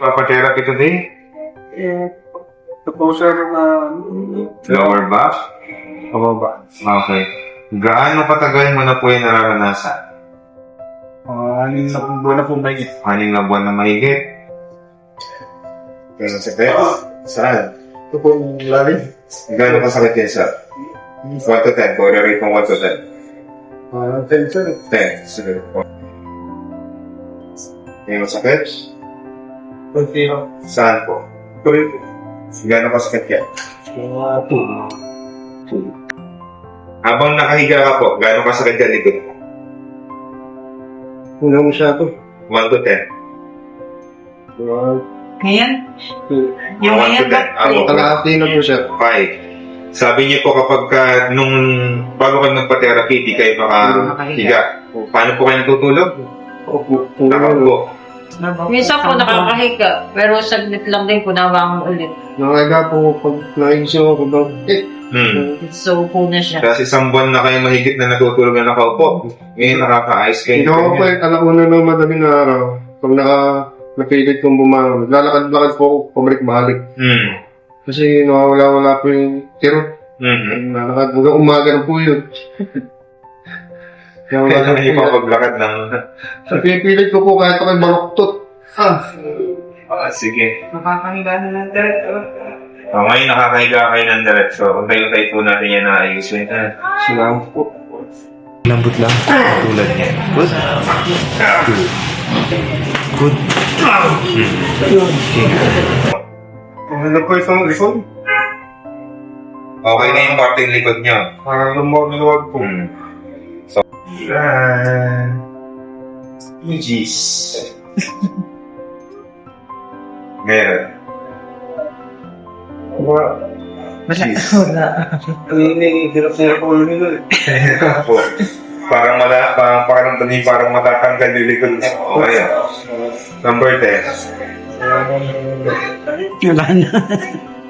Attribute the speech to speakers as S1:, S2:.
S1: magpapatherapy today?
S2: Ito po sir na
S1: Lower back?
S2: pababa.
S1: Okay. Gaano katagal mo na po yung nararanasan?
S2: Anin na po buwan na po may
S1: 6 na buwan na mahigit. Ganun sakit? Saan?
S2: ito po lalim.
S1: Gaano kasakit yan, sir? 1 to 10. Kung i-rate mo 1 to 10.
S2: 10 sir.
S1: 10. Sige po. Yung masakit?
S2: Kunti lang.
S1: Saan po?
S2: Tuloy po.
S1: Gaano kasakit yan?
S2: Mga 2.
S1: Habang nakahiga ka po, gaano kasakit yan likod?
S2: Hanggang siya to.
S1: 1 to 10.
S2: Mga
S3: Ngayon? Yung
S1: 1 to
S3: ngayon
S1: 10.
S3: ba?
S2: kalahati na po siya.
S1: 5. Sabi niyo po kapag nung bago kayo nagpa-therapy, di kayo makahiga. Paano po kayo natutulog?
S2: Opo.
S1: Nakaupo.
S3: Minsan po nakakahiga, pero saglit lang din po nawang ulit.
S2: Nangaga po pag naisip ako daw.
S3: So po na siya.
S1: Kasi 1 buwan na kayo mahigit na natutulog na nakaupo. Ngayon nakaka-ice kayo.
S2: Ikaw po yung alauna ng madaling araw. Pag napilit kong bumangon, lalakad-lakad po ako, pabalik-balik. Kasi nawawala-wala po yung kirot. Nalakad hanggang umaga na po yun. Kaya wala
S1: Kaya
S2: na po
S1: naman
S2: yun.
S1: ipapaglakad ng...
S2: Pipilit ko po kahit ako'y baluktot.
S1: sige.
S3: Nakakahiga na ng diretso.
S1: Ngayon nakakahiga kayo ng diretso. Untay-untay po natin yan na ayusin.
S2: Salamat po.
S1: Lambot lang. Tulad niyan. Good. Good.
S2: Ano po isang likod?
S1: Okay na yung parting likod niyo.
S2: Parang lumawag po.
S1: So, Jeez. Ngayon. Jeez.
S2: Hirap na po nila.
S1: Po. Parang pakiramdam niyo parang matatanggal yung likod. Okay. Number 10.
S3: Wala na.